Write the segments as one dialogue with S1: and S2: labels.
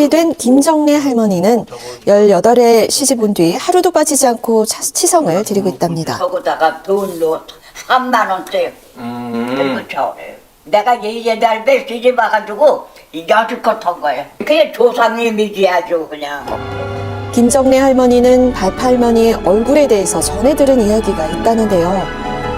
S1: 70이 된 김정래 할머니는 18에 시집 온 뒤 하루도 빠지지 않고 치성을 드리고 있답니다.
S2: 거기다가 돈도 3만 원씩 들고 쳐오래. 내가 얘달 배 시집 와가지고 여지껏 한 거야. 그게 조상님이지 아주 그냥.
S1: 김정래 할머니는 발팔머니의 얼굴에 대해서 전해 들은 이야기가 있다는데요.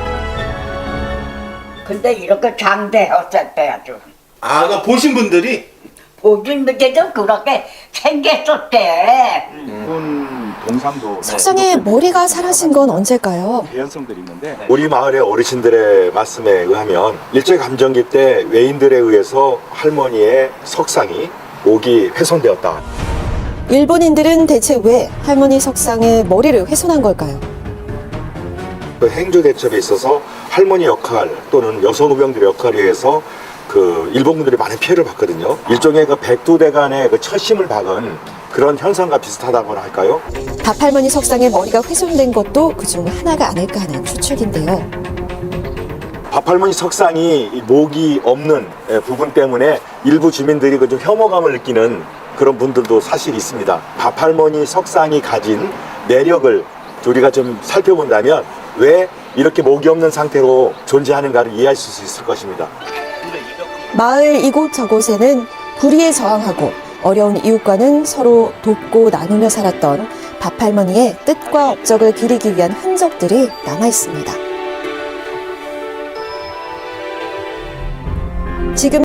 S2: 근데 이렇게 장대였었대 아주.
S3: 그 보신 분들이
S2: 보긴 분들도 그렇게 생겼었대.
S4: 동상도
S1: 석상의 머리가 사라진 건 언제일까요?
S4: 개연성들이 있는데
S5: 우리 마을의 어르신들의 말씀에 의하면 일제감정기 때 외인들에 의해서 할머니의 석상이 목이 훼손되었다.
S1: 일본인들은 대체 왜 할머니 석상의 머리를 훼손한 걸까요?
S5: 그 행조 대첩에 있어서 할머니 역할 또는 여성 의병들의 역할에 의해서 그 일본군들이 많은 피해를 봤거든요. 일종의 그 백두대간의 그 철심을 박은 그런 현상과 비슷하다고나 할까요?
S1: 밥할머니 석상의 머리가 훼손된 것도 그중 하나가 아닐까 하는 추측인데요.
S5: 밥할머니 석상이 목이 없는 부분 때문에 일부 주민들이 그 좀 혐오감을 느끼는 그런 분들도 사실 있습니다. 밥할머니 석상이 가진 매력을 우리가 좀 살펴본다면 왜 이렇게 목이 없는 상태로 존재하는가를 이해할 수 있을 것입니다.
S1: 마을 이곳저곳에는 불의에 저항하고 어려운 이웃과는 서로 돕고 나누며 살았던 밥할머니의 뜻과 업적을 기리기 위한 흔적들이 남아 있습니다. 지금